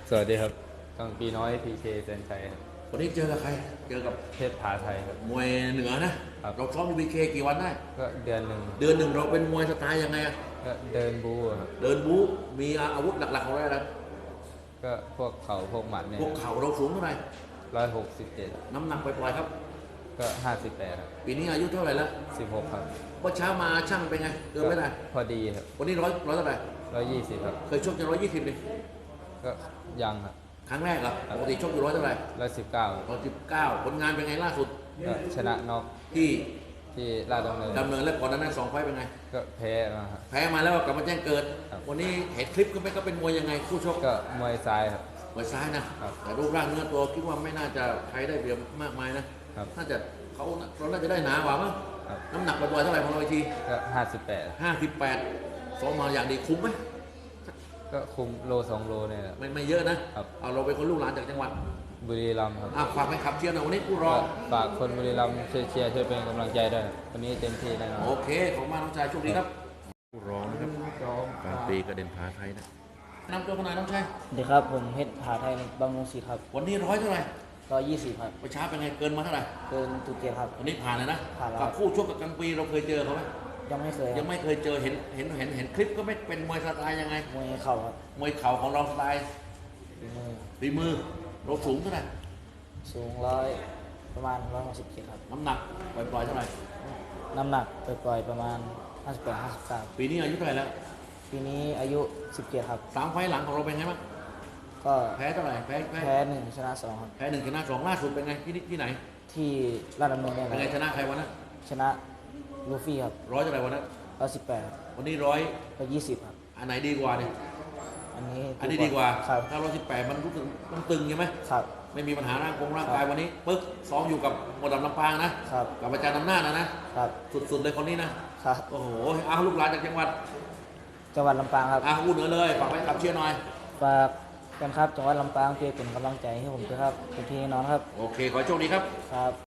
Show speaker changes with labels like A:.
A: สวัสดีครับกังปีน้อยพีเคเซนชัยครับ
B: วันนี้เจอกับใคร เจอกับ
A: เพชรผาไทยครับ
B: มวยเหนือนะ เราซ้อมอยู่บีเคกี่วันได้
A: ก็เดือนหนึ่ง
B: เดือนหนึ่งเราเป็นมวยสไตล์ยังไงอะ
A: ก็เดินบูครับ
B: เดินบู๊มีอาวุธหลักๆของเราอะไรนะ
A: ก็พวกเขาพวกหมัดเนี่ย
B: พวกเข่าเราสูงเท่าไหร่
A: 167
B: น้ำหนักปล่อยๆครับ
A: ก็58ครับ
B: ปีนี้อายุเท่าไหร่แล้ว
A: 16ครับ
B: ว่าเช้ามาช่างเป็นไงเกินไม่ได้
A: พอดีครับ
B: วันนี้ร้อยเท่าไหร่
A: 120ครับ
B: เคยชกจะ120เลย
A: ก็ยังครับ
B: ครั้งแรกเหรอปกติชกอยู่ร้อยเท่าไหร่
A: 119
B: 119ผลงานเป็นไงล่าสุด
A: ก็ชนะน็อก
B: ที่
A: ที่ราชดำเนิน
B: แล้วก่อนนั้น2 ไฟต์เป็นไง
A: ก็แพ้มาครับ
B: แพ้มาแล้วกลับมาแจ้งเกิด
A: ครับ
B: วันนี้เห็นคลิปก็เป็นมวยยังไงคู่ชก
A: ก็มวยซ้ายครับ
B: มวยซ้ายนะครับแต่รูปร่างเนื้อตัวคิดว่าไม่น่าจะใครได้เปรียบมากมายนะครับน่าจะเขาน่าจะได้หนากว่ามั้ง
A: ครับ
B: น้ำหนักปล่อยๆเท่าไหร่ของเราอีกที
A: ก็58
B: 58ซ้อมมาอย่างดีคุ้มไหม
A: ก็คุมโล2 โลเนี่ยครับ
B: ไม่เยอะนะครับเอาเราเป็นคนลูกหลานจากจังหวัด
A: บุรีรัมย์ครับ
B: ฝากให้ขับเชียร์หน่อยวันนี้กู้รอ
A: ก็ฝากคนบุรีรัมย์ช่วยเชียร์ช่วยเป็นกำลังใจด้วยวันนี้เต็มที่แน่นอน
B: โอเคขอบคุณมากน้องชายโชคดีครับกู้รองนะครับกลางปีกระเด็นผาไทยนะนำตัวขนาดน้องชาย
C: สวัสดีครับผมเพชรผาไทยบำรุงศรีครับ
B: วันนี้ร้อยเท่าไหร่
C: 120ครับ
B: ประชาเป็นไงเกินมาเท่าไหร่
C: เกินตุเกียรครับ
B: วันนี้ผ่านเลยนะ
C: ผ่านแล้ว
B: กับคู่ชกกับกลางปีเราเคยเจอเขาไหม
C: ยังไม่เคย
B: ยังไม่เคยเจอเห็นคลิปก็ไม่เป็นมวยสไตล์ยังไง
C: มวยเข่าครับ
B: มวยเข่าของเราสไตล์
C: ฝีมือ
B: เราสูงเท่าไหร่
C: สูงประมาณ167ครับ
B: น้ำหนักปล่อยๆเท่าไหร่
C: น้ำหนักปล่อยๆประมาณ58-59
B: ปีนี้อายุเท่าไหร่แล้ว
C: ปีนี้อายุ17ครับ
B: 3 ไฟล์หลังของเราเป็นไงบ้าง
C: ก็
B: แพ้เท่าไหร่แ
C: พ้1ชนะ2ครับ
B: แพ้1ชนะ2ล่าสุดเป็นไงที่ไหน
C: ที่ราชดำเนินเนี่ย
B: เป็นไงชนะใครวันนั้น
C: ชนะลูฟี่ครับ
B: ร้อยเท่าไหร่วันนั้น
C: 118
B: วันนี้
C: 120ครับ
B: อันไหนดีกว่าเนี่ย
C: อันนี้
B: ดีกว่า
C: ครับ
B: ถ้า118มันรู้สึกต้องตึงใช่ไหม
C: ครับ
B: ไม่มีปัญหาร่างกายวันนี้ปึ๊กซ้อมอยู่กับหมวดดำลำปางนะครับกับอาจารย์อำนาจนะครับสุดเลยคนนี้นะครับโอ้โหลูกหลานจากจังหวัด
C: ลำปางครับ
B: พูดเหนือเลยฝากไปขับเชียร์หน่อย
C: ฝากกันครับจังหวัดลำปางเพื่อเป็นกำลังใจให้ผมด้วยครับเป็นพี่น้องครับ
B: โอเคขอโชคดีครับ
C: ครับ